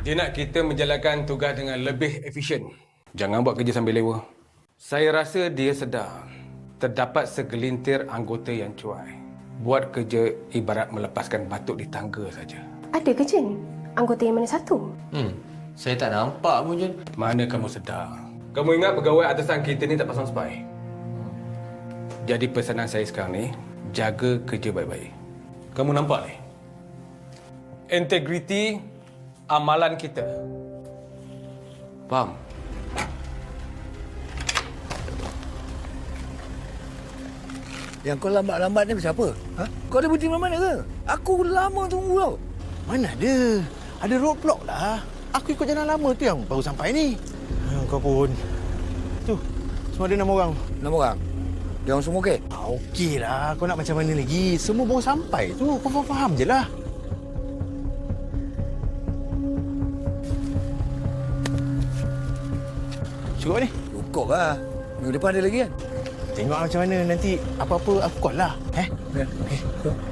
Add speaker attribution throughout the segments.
Speaker 1: Dia nak kita menjalankan tugas dengan lebih efisien. Jangan buat kerja sambil lewa. Saya rasa dia sedar terdapat segelintir anggota yang cuai. Buat kerja ibarat melepaskan batuk di tangga saja.
Speaker 2: Ada ke, Jen? Anggota yang mana satu?
Speaker 3: Saya tak nampak pun, Jen.
Speaker 1: Mana kamu sedar? Kamu ingat pegawai atasan kita ni tak pasang spy? Jadi pesanan saya sekarang ni, jaga kerja baik-baik. Kamu nampak ni? Integriti amalan kita. Faham?
Speaker 4: Yang kau lambat-lambat ni pasal apa? Ha? Kau ada berhenti mana ke? Aku lama tunggu tau.
Speaker 5: Mana ada? Ada roadblock lah. Aku ikut jalan lama tu yang baru sampai ni. Kau pun. Tu, semua ada 6 orang.
Speaker 4: 6 orang? Dia orang semua okey?
Speaker 5: Okey lah. Kau nak macam mana lagi? Semua baru sampai tu. Kau faham je lah. Cukup ni?
Speaker 4: Cukup lah. Minggu depan ada lagi kan?
Speaker 5: Tengok macam mana. Nanti apa-apa aku call lah.
Speaker 4: Ya.
Speaker 5: Okay.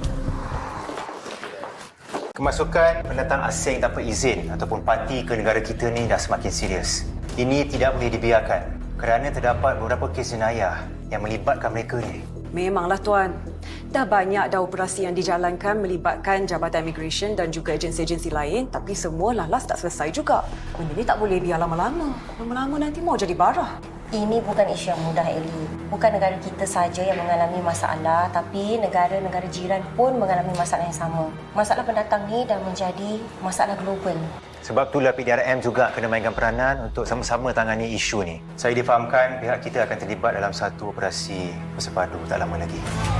Speaker 6: Kemasukan pendatang asing tanpa izin ataupun parti ke negara kita ni dah semakin serius. Ini tidak boleh dibiarkan kerana terdapat beberapa kes jenayah yang melibatkan mereka ni.
Speaker 7: Memanglah Tuan. Dah banyak dah operasi yang dijalankan melibatkan Jabatan Immigration dan juga agensi-agensi lain, tapi semua lalas tak selesai juga. Benda ni tak boleh biar lama-lama. Lama-lama nanti mau jadi barah.
Speaker 2: Ini bukan isu yang mudah, Ellie. Bukan negara kita saja yang mengalami masalah, tapi negara-negara jiran pun mengalami masalah yang sama. Masalah pendatang ni dah menjadi masalah global.
Speaker 6: Sebab itulah PDRM juga kena mainkan peranan untuk sama-sama tangani isu ni. Saya difahamkan pihak kita akan terlibat dalam satu operasi bersepadu tak lama lagi.